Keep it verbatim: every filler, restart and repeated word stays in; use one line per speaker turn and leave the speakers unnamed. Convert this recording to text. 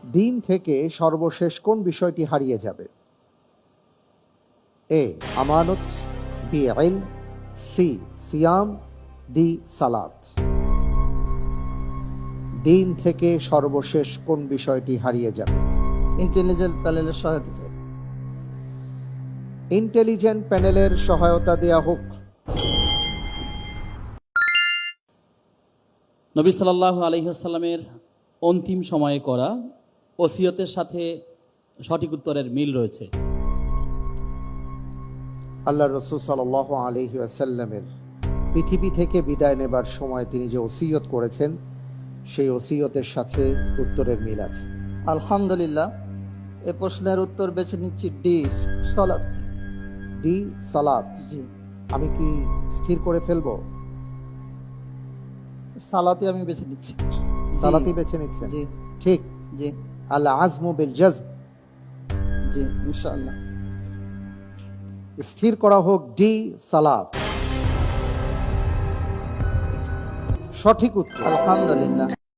দিন থেকে সর্বশেষ কোন বিষয়টি হারিয়ে যাবে? এ আমানত, বি ইলম, সি সিয়াম, ডি সালাত। দিন থেকে সর্বশেষ কোন বিষয়টি হারিয়ে যাবে?
ইন্টেলিজেন্ট প্যানেলের সহায়তা চাই।
ইন্টেলিজেন্ট প্যানেলের সহায়তা দেয়া হোক।
নবী সাল্লাল্লাহু আলাইহি ওয়াসাল্লামের অন্তিম সময়ে করা ওসিয়তের সাথে সঠিক উত্তরের মিল রয়েছে।
আল্লাহ রসুল সাল্লাল্লাহু আলাইহি ওয়াসাল্লামের পৃথিবী থেকে বিদায় নেবার সময় তিনি যে ওসিয়ত করেছেন, সেই ওসিয়তের সাথে উত্তরের মিল আছে।
আলহামদুলিল্লাহ, এ প্রশ্নের উত্তর বেছে নিচ্ছি ডি সালাত।
ডি সালাত।
জি,
আমি কি স্থির করে ফেলবো?
সালাতই আমি বেছে নিচ্ছি।
সালাতই বেছে নিচ্ছেন?
জি
ঠিক।
জি
আল আজমু বিল জজম।
জি ইনশাআল্লাহ।
স্থির করা হোক ডি সালাত। সঠিক উত্তর।
আলহামদুলিল্লাহ।